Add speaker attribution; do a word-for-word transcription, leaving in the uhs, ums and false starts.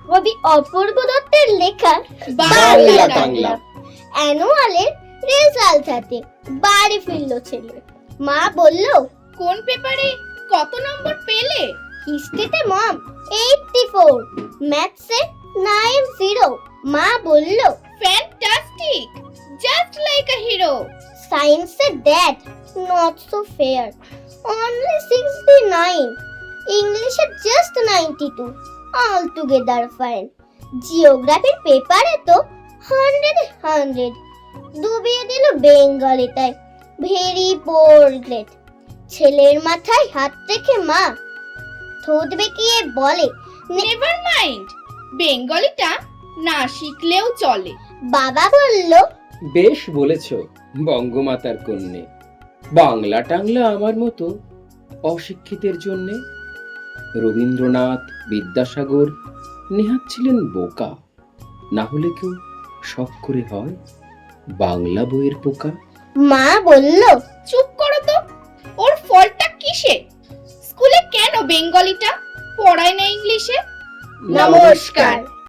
Speaker 1: কবি অপূর্ব দত্তের লেখা
Speaker 2: বাংলা টাংলা।
Speaker 1: অ্যানুয়ালের রেজাল্ট হাতে বাড়ি ফিরল ছেলে। মা বলল,
Speaker 3: কোন পেপারে কত নম্বর পেলে?
Speaker 1: হিস্ট্রিতে মম এইটটি ফোর, ম্যাথসে নাইনটি। মা বলল,
Speaker 3: fantastic, just like a hero.
Speaker 1: সায়েন্সে dad not so fair, only sixty nine. ইংলিশে just ninety two, all together fine. জিওগ্রাফির পেপারে তো হান্ড্রেড হান্ড্রেড। ডুবিয়ে দিল বেঙ্গলিটায়, ভেরি পোর গ্রেড। ছেলের মাথায় হাত রেখে মা ঠোঁট বেঁকিয়ে বলে,
Speaker 3: নেভার মাইন্ড, বেঙ্গলিটা না শিখলেও চলে।
Speaker 1: বাবা বলল,
Speaker 2: বেশ বলেছ বঙ্গমাতার কন্যে। বাংলা টাংলা আমার মতো অশিক্ষিতের জন্যে। রবীন্দ্রনাথ, বিদ্যাসাগর নেহাত ছিলেন বোকা, না হলে কেউ শখ করে হয় বাংলা বইয়ের পোকা।
Speaker 1: মা বলল,
Speaker 3: চুপ করো তো, ওর ফলটা কিসে? স্কুলে কেন বেঙ্গলিটা পড়ায় না ইংলিশে?
Speaker 1: নমস্কার।